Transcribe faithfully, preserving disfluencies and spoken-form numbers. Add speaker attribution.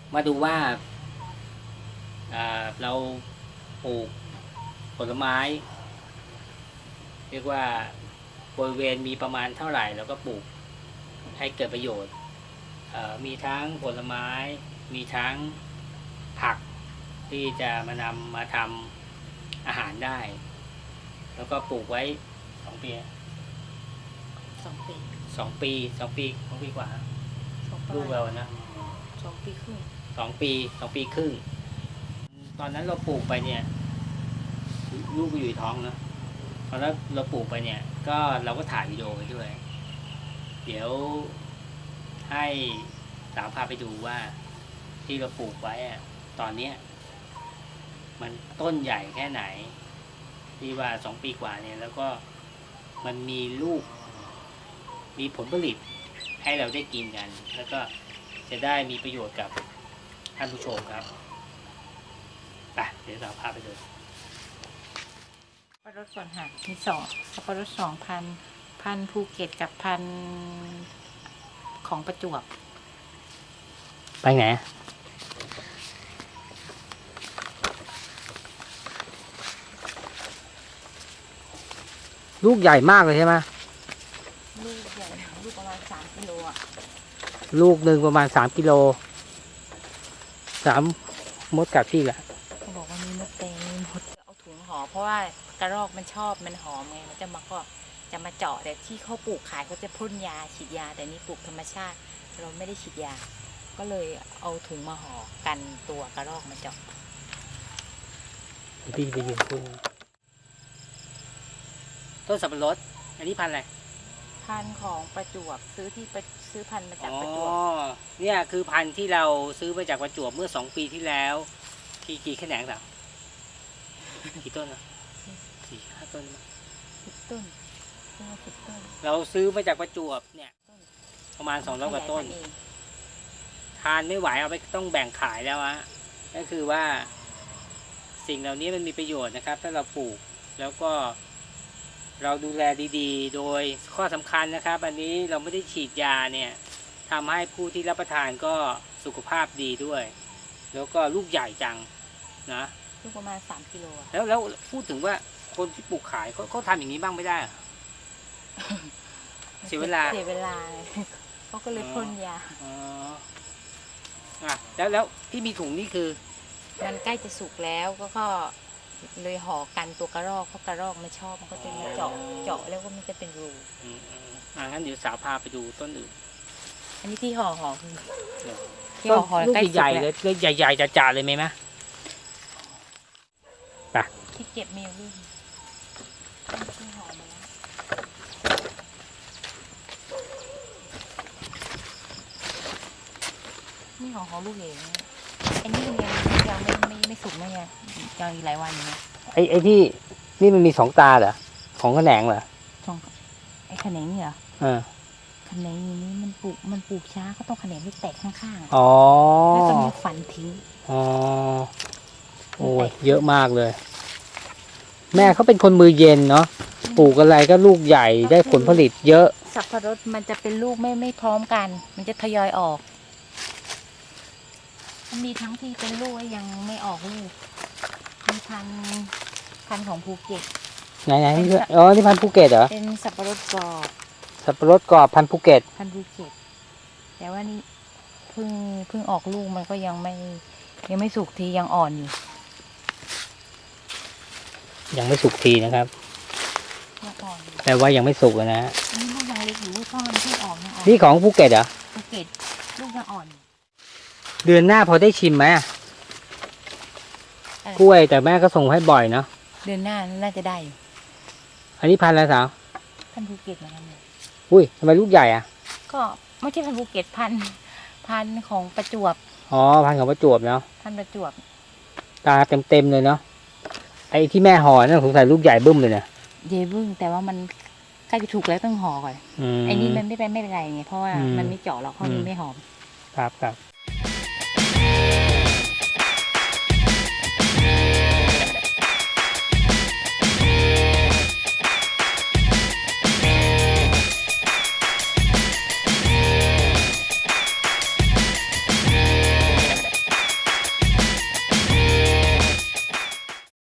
Speaker 1: มาดูว่าเราปลูกผลไม้เรียกว่าบริเวณมีประมาณเท่าไหร่แล้วก็ปลูกให้เกิดประโยชน์มีทั้งผลไม้มีทั้งผักที่จะมานำมาทำอาหารได้แล้วก็ปลูกไว้สองปี
Speaker 2: สองปี
Speaker 1: สองปีสองปีสองปีกว่าลูกเรานะ
Speaker 2: สองปีครึ่ง
Speaker 1: สองปีสองปีครึ่งตอนนั้นเราปลูกไปเนี่ยลูกก็อยู่ท้องนะตอนนั้นเราปลูกไปเนี่ยก็เราก็ถ่ายวิดีโอไปด้วยเดี๋ยวให้สาวพาไปดูว่าที่เราปลูกไว้ตอนเนี้ยมันต้นใหญ่แค่ไหนที่ว่าสองปีกว่าเนี่ยแล้วก็มันมีลูกมีผลผลิตให้เราได้กินกันแล้วก็จะได้มีประโยชน์กับท่านผู้ชมครับไปเดี๋ยวเราพาไปดู
Speaker 2: สับปะรดก่อนค่ะมีสองสับปะรดสองพันพันภูเก็ตกับพันของประจวบ
Speaker 1: ไปไหนลูกใหญ่มากเลยใช่ไหม
Speaker 2: ลูกใหญ่ลูกประมาณสามกิโลอ่ะ
Speaker 1: ลูกหนึ่งประมาณสามกิโลสามมดกัดที่แหละ
Speaker 2: เขาบอกว่ามีมดแดงมีมดเอาถุงห่อเพราะว่ากระรอกมันชอบมันหอมไงมันจะมาก็จะมาเจาะแต่ที่เขาปลูกขายเขาจะพ่นยาฉีดยาแต่นี่ปลูกธรรมชาติเราไม่ได้ฉีดยาก็เลยเอาถุงมาห่อกันตัวกระรอกมาเจาะ
Speaker 1: พี่ไปยืนคุณต้นสับปะรดอันนี้พันธุ์อะไร
Speaker 2: พันธุ์ของประจวบซื้อที่ไปซื้อพันธุ์มาจากประจวบ
Speaker 1: อ๋อเนี่ยคือพันธุ์ที่เราซื้อมาจากประจวบเมื่อสองปีที่แล้วกี่กี่แขนงหรอกี่ต้นอ่ะสี่ห้าต้น
Speaker 2: สิบต้นสิบต้น
Speaker 1: เราซื้อมาจากประจวบเนี่ยประมาณสองร้อยกว่าต้นทานไม่ไหวเอาไปต้องแบ่งขายแล้วอะก็คือว่าสิ่งเหล่านี้มันมีประโยชน์นะครับถ้าเราปลูกแล้วก็เราดูแลดีๆโดยข้อสำคัญนะครับอันนี้เราไม่ได้ฉีดยาเนี่ยทำให้ผู้ที่รับประทานก็สุขภาพดีด้วยแล้วก็ลูกใหญ่จังนะ
Speaker 2: ลูกประมาณสามกิโล
Speaker 1: แล้วแล้วพูดถึงว่าคนที่ปลูกขายเขาเขาทำอย่างนี้บ้างไม่ได้เสียเวลา
Speaker 2: เสียเวลาเขาก็เลยพ่นยา
Speaker 1: อ๋ออ่ะแล้วแล้วที่มีถุงนี่คือ
Speaker 2: มันใกล้จะสุกแล้วก็ก็เลยห่อกันตัวกระรอกเพราะกระรอกไม่ชอบมันก็จะมาเจาะเจาะแล้วก็มันจะเป็นรู
Speaker 1: อืมอ่างั้นเดี๋ยวสาวพาไปดูต้นอื่น
Speaker 2: อันนี้ที่ห่อห่อคือ
Speaker 1: ที่ห่อห่อใกล้ใหญ่เลยเลยใหญ่ๆจ่าๆเลยไหมมะไป
Speaker 2: ที่เก็บมีลูกที่ห่อมาแล้วนี่ห่อห่อลูกเองอันนี้ยังยังไม่ไม่ไม่สุกนะเนี่ยยังอีกหลายวันอยู่นะ
Speaker 1: ไอ้ไอ้ที่นี่มันมีสองตาเหรอของแขนงเหรอ
Speaker 2: สองไอ้แขนงนี่เหรอ
Speaker 1: เออ
Speaker 2: แขนงนี้มันปลูกมันปลูกช้าก็ต้องแขนงที่แตกข้าง
Speaker 1: ๆอ๋อ
Speaker 2: แล้วก็มีฝันทิ้ง
Speaker 1: อ๋อโอ้ยเยอะมากเลยแม่เขาเป็นคนมือเย็นเนาะปลูกอะไรก็ลูกใหญ่ได้ผลผลิตเยอะ
Speaker 2: สับปะรดมันจะเป็นลูกไม่ไม่พร้อมกันมันจะทยอยออกมันมีทั้งที่เป็นลูกยังไม่ออกลูกมีพันพันของภูเก็ต
Speaker 1: ไหนไหนนี่คืออ๋อนี่พันภูเก็ตเหรอ
Speaker 2: เป็นสับปะรดกรอบ
Speaker 1: สับปะรดกรอบพันภูเก็ต
Speaker 2: พันภูเก็ตแต่ว่านี่เพิ่งเพิ่งออกลูกมันก็ยังไม่ยังไม่สุกทียังอ่อนอยู่
Speaker 1: ยังไม่สุกทีนะครับแปลว่ายังไม่สุกนะ
Speaker 2: นี่ลูกยังเล็กอยู่พ่อมันเพิ่งออก
Speaker 1: นี่ของภูเก็ตเหรอ
Speaker 2: ภูเก็ตลูกยังอ่อน
Speaker 1: เดือนหน้าพอได้ชิมไหมกล้วยแต่แม่ก็ส่งให้บ่อยเนาะ
Speaker 2: เดือนหน้าน่าจะได้
Speaker 1: อันนี้พันอะไรสาว
Speaker 2: พันภูเก็ตเหมือนกันเลย
Speaker 1: อุ้ยทำไมลูกใหญ่อ่ะ
Speaker 2: ก็ไม่ใช่พันภูเก็ตพันพันของประจวบ
Speaker 1: อ๋อพันของประจวบเนาะ
Speaker 2: พันประจวบ
Speaker 1: ตาเต็มๆเลยเนาะไอ้ที่แม่ห่อนั่นสงสัยลูกใหญ่บึ้มเลยเนี่ย
Speaker 2: ใหญ่บึ้มแต่ว่ามันใกล้จะถูกแล้วต้องห่อก่อนไอ้นี่มันไม่เป็นไม่เป็นไรไงเพราะว่ามันไม่เจาะหรอกเพราะมันไม่หอม
Speaker 1: ครับครับ